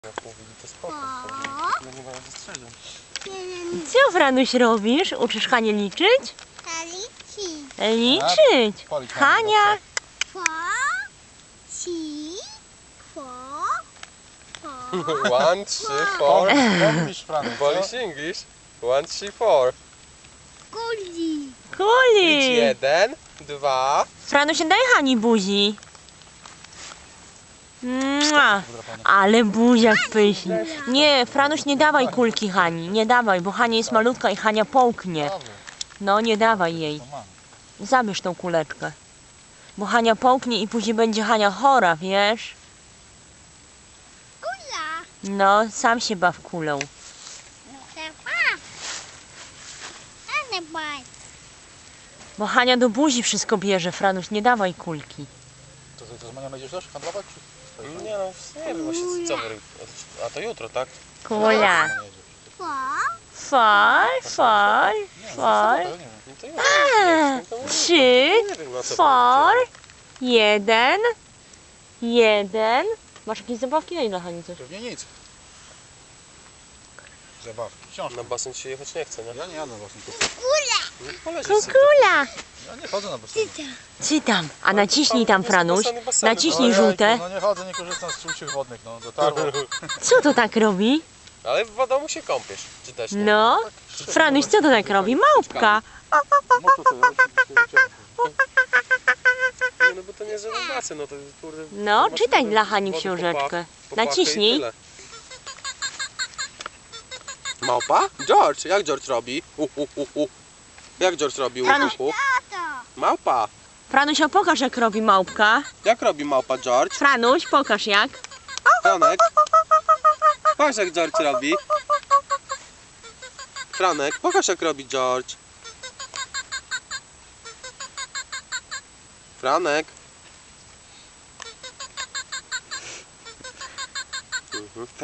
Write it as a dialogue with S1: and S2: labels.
S1: Jak mówi, to spoko. No nie mają zastrzeżeń.
S2: Co, Franuś, robisz? Uczysz Hanię liczyć? Liczyć. Hania.
S1: One, three, four.
S3: Polish, Franek,
S1: Polish English. One, three, four. Licz
S2: Kuli.
S1: 1, 2.
S2: Franuś, daj Hani buzi. Mua. Ale buziak pyszny. Nie, Franuś, nie dawaj kulki Hani. Nie dawaj, bo Hania jest malutka i Hania połknie. No, nie dawaj jej. Zabierz tą kuleczkę. Bo Hania połknie i później będzie Hania chora, wiesz? No, sam się baw kulą. Bo Hania do buzi wszystko bierze, Franuś, nie dawaj kulki.
S3: To z Manią będziesz też handlować?
S1: Nie no, nie wiem właśnie co wy... A to jutro, tak?
S2: Kula. Fal.
S1: No to jutro.
S2: 3,
S1: Nie wiem na co
S2: 4, 1. Masz jakieś zabawki? Daj dla Hani coś.
S3: Pewnie nic. Zabawki, książka.
S1: Na basen się jechać nie chce, nie?
S3: Ja nie jadę właśnie tu.
S1: No poleżysz sobie.
S2: Kukula.
S3: Ja nie chodzę na basen.
S2: Czytam. A naciśnij tam, Franuś.
S1: Baseny.
S2: Naciśnij żółte.
S3: No nie chodzę, nie korzystam z czułych wodnych, no dotarło.
S2: Co to tak robi?
S1: Ale w domu się kąpiesz, czy też nie?
S2: No. Franuś, co to tak robi? Małpka.
S1: Nie, no bo to nie jest żaden basen, no to kurde...
S2: No,
S1: masz
S2: czytaj
S1: wodę,
S2: dla Hani
S1: wodę,
S2: książeczkę.
S1: popachę
S2: Naciśnij.
S1: i tyle. Małpa? George, jak George robi? Jak George robi?
S2: Franuś.
S1: Małpa.
S2: Franuś, pokaż jak robi małpka.
S1: Jak robi małpa George?
S2: Franuś, pokaż jak.
S1: Franek. Pokaż jak George robi. Franek, pokaż jak robi George. Franek.